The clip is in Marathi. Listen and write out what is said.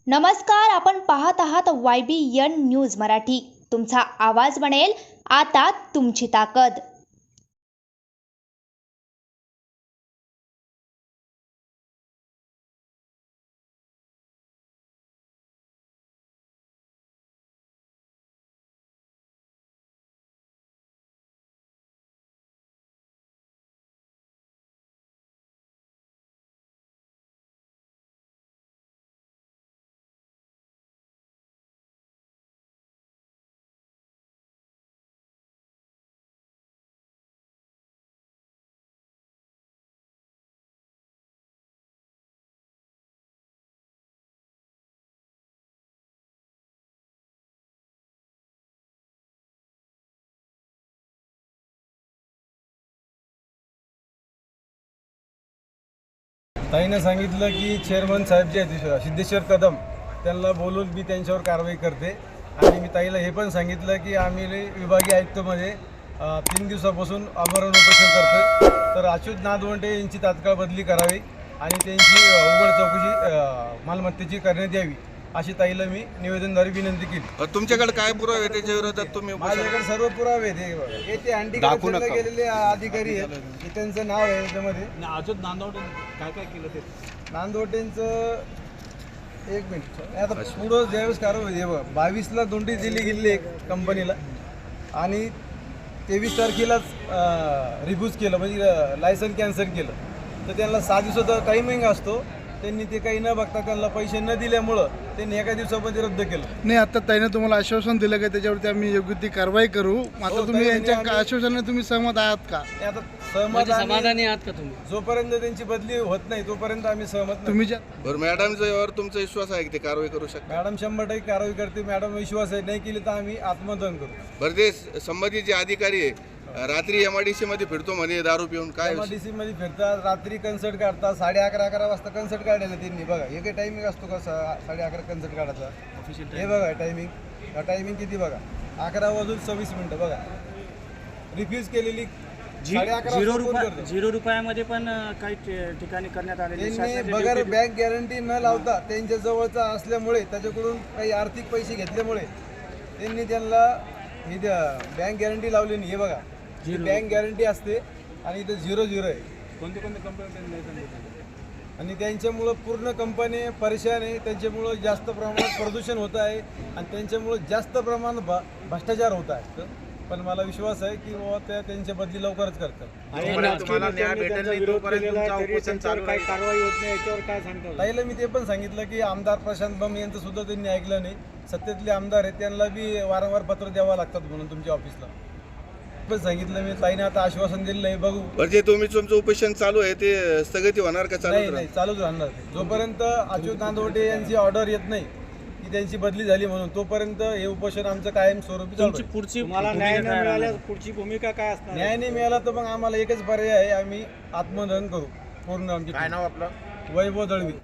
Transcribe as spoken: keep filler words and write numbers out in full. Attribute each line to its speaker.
Speaker 1: नमस्कार, आपण पाहत आहात Y B N news Marathi. तुमचा आवाज बनेल आता तुमची ताकद.
Speaker 2: ताईनं सांगितलं की चेअरमन साहेब जे आहेत सिद्धेश्वर कदम त्यांना बोलून मी त्यांच्यावर कारवाई करते. आणि मी ताईला हे पण सांगितलं की आम्ही विभागीय आयुक्तमध्ये तीन दिवसापासून आमरण उपोषण करतो. तर अच्युत नादवंडे यांची तात्काळ बदली करावी आणि त्यांची उघड चौकशी मालमत्तेची करण्यात यावी अशी ताईला मी निवेदनद्वारे विनंती केली.
Speaker 3: तुमच्याकडे काय पुरावे आहे त्याच्या विरोधात तुम्ही?
Speaker 2: माझ्याकडे सर्व पुरावे आहेत. हे ते अँटी करप्शनला गेलेले अधिकारी आहेत, हे त्यांचं नाव आहे त्याच्यामध्ये.
Speaker 4: अच्युत नांदवटे काय काय केलं ते
Speaker 2: नांदवटेंचं एक मिनिट आता पुढं ज्यावेळेस कारवाई हे बघ बावीसला नोटीस दिली गेली एक कंपनीला आणि तेवीस तारखेलाच रिफ्यूज केलं, म्हणजे लायसन कॅन्सल केलं. तर त्यांना सहा दिवसाचा टायमिंग असतो, त्यांनी ते काही न बघता त्यांना पैसे न दिल्यामुळं त्यांनी एका दिवसामध्ये रद्द केलं.
Speaker 5: नाही, आता ताईने तुम्हाला आश्वासन दिलं का त्याच्यावरती आम्ही योग्य ती कारवाई करू? मात्र
Speaker 2: हो,
Speaker 5: तुम्ही
Speaker 2: ताईने
Speaker 5: यांच्या आश्वासनाने तुम्ही सहमत आहात का?
Speaker 2: आता सहमत
Speaker 4: समाधानी आहात का तुम्ही?
Speaker 2: जोपर्यंत त्यांची बदली होत नाही तोपर्यंत आम्ही सहमत नाही.
Speaker 5: तुम्ही ज्या
Speaker 3: बरं, मॅडमचा यावर तुमचा विश्वास आहे की ते कारवाई करू शकतात?
Speaker 2: मॅडम शंभर टक्के कारवाई करते. मॅडम विश्वास आहे, नाही केली तर आम्ही आत्मदहन करू.
Speaker 3: बरं, ते संबंधित जे अधिकारी आहे रात्री एम आय डी सी मध्ये फिरतो म्हणे दारू पिऊन, काय विषय?
Speaker 2: एमआयडीसी मध्ये फिरतात, रात्री कन्सर्ट काढतात. साडे अकरा अकरा वाजता कन्सर्ट काढायला त्यांनी बघा. हे काही टायमिंग असतो का साडे अकरा कन्सर्ट काढायचा? हे बघा टायमिंग, टायमिंग किती बघा, अकरा वाजून सव्वीस मिनिटं बघा. रिफ्यूज केलेली साडे अकरा
Speaker 4: झिरो
Speaker 2: वाजता कोण
Speaker 4: रुपया
Speaker 2: करतं?
Speaker 4: झिरो रुपयामध्ये पण अं, काही ठि- ठिकाणी करण्यात आलेले
Speaker 2: त्यांनी बगर बँक गॅरंटी न लावता त्यांच्या जवळचा असल्यामुळे त्याच्याकडून काही आर्थिक पैसे घेतल्यामुळे त्यांनी त्यांना ही बँक गॅरंटी लावली नाही. हे बघा बँक गॅरंटी असते आणि इथं झिरो झिरो आहे.
Speaker 4: कोणते कोणते कंपनी
Speaker 2: आणि त्यांच्यामुळं पूर्ण कंपनी परेशान आहे. त्यांच्यामुळं जास्त प्रमाणात प्रदूषण होत आहे आणि त्यांच्यामुळं जास्त प्रमाणात भ भ्रष्टाचार होत आहे. पण मला विश्वास आहे की बाबा त्या त्यांच्या बदली लवकरच करतात.
Speaker 4: तुम्हाला न्याय भेटेल नाही तोपर्यंत तुमचा उपोषण चालू आहे. कारवाई होत नाही याच्यावर काय सांगता?
Speaker 2: ताईला मी ते पण सांगितलं की आमदार प्रशांत बम यांचं सुद्धा त्यांनी ऐकलं नाही. सत्तेतले आमदार आहेत त्यांना बी वारंवार पत्र द्यावं लागतात म्हणून तुमच्या ऑफिसला पण सांगितलं मी. ताईने आता आश्वासन दिलं नाही, बघू.
Speaker 3: बरं, जे तुम्ही तुमचं उपोषण चालू आहे ते स्थगिती होणार का?
Speaker 2: नाही
Speaker 3: चालू
Speaker 2: नाही चालूच राहणार ते. जोपर्यंत अच्युत नांदवटे यांची ऑर्डर येत नाही की त्यांची बदली झाली म्हणून तोपर्यंत हे उपोषण आमचं कायम स्वरूपी चालू आहे.
Speaker 4: पुढची मला न्याय न मिळाल्यास पुढची भूमिका काय असणार?
Speaker 2: न्याय नाही मिळाला तर मग आम्हाला एकच पर्याय आहे, आम्ही आत्मदहन करू पूर्ण. आमचे
Speaker 3: काय नाव आपलं?
Speaker 2: वैभव दळवी.